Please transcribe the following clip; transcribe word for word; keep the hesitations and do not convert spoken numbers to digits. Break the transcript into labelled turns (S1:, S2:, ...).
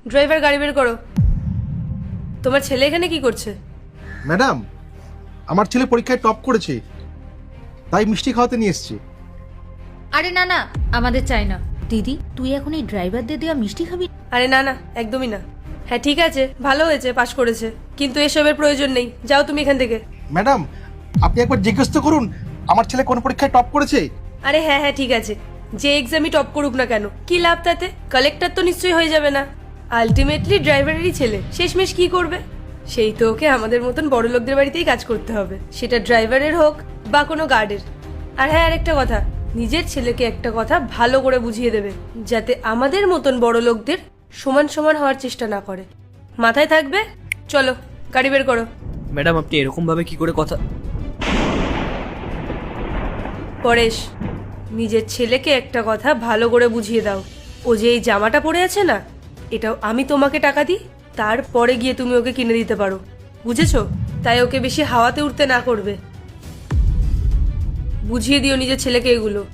S1: Driver গাড়ি বের করো। তোমার ছেলে এখানে কি করছে?
S2: ম্যাডাম, আমার ছেলে পরীক্ষায় টপ করেছে, তাই মিষ্টি খাওয়াতে নিয়ে এসেছি।
S3: আরে না না, আমাদের চাই না। দিদি, তুই এখন এই ড্রাইভারদের দেওয়া মিষ্টি খাবি?
S1: আরে না না, একদমই না। হ্যাঁ ঠিক আছে, ভালো হয়েছে পাশ করেছে, কিন্তু এসবের প্রয়োজন নেই। যাও তুমি এখান থেকে।
S2: ম্যাডাম, আপনি একবার জিজ্ঞেস তো করুন আমার ছেলে কোন পরীক্ষায় টপ করেছে।
S1: আরে হ্যাঁ হ্যাঁ ঠিক আছে, যে এক্সামই টপ করুক না কেন, কি লাভ তাতে? কালেক্টর তো নিশ্চয়ই হয়ে যাবে না। আলটিমেটলি ড্রাইভারেরই ছেলে, শেষমেশ কি করবে? সেই তো ওকে আমাদের মতন বড় লোকদের বাড়িতেই কাজ করতে হবে, সেটা ড্রাইভারের হোক বা কোনো গার্ডের। আর হ্যাঁ, আরেকটা কথা, নিজের ছেলেকে একটা কথা ভালো করে বুঝিয়ে দেবে, যাতে আমাদের মতন বড় লোকদের সমান সমান হওয়ার চেষ্টা না করে। মাথায় থাকবে। চলো গাড়ি বের করো।
S4: ম্যাডাম, আপনি এরকম ভাবে কি করে কথা?
S1: পরেশ, নিজের ছেলেকে একটা কথা ভালো করে বুঝিয়ে দাও। ও যে এই জামাটা পরে আছে না, এটাও আমি তোমাকে টাকা দিই, তারপরে গিয়ে তুমি ওকে কিনে দিতে পারো, বুঝেছো? তাই ওকে বেশি হাওয়াতে উঠতে না করবে। বুঝিয়ে দিও নিজের ছেলেকে এগুলো।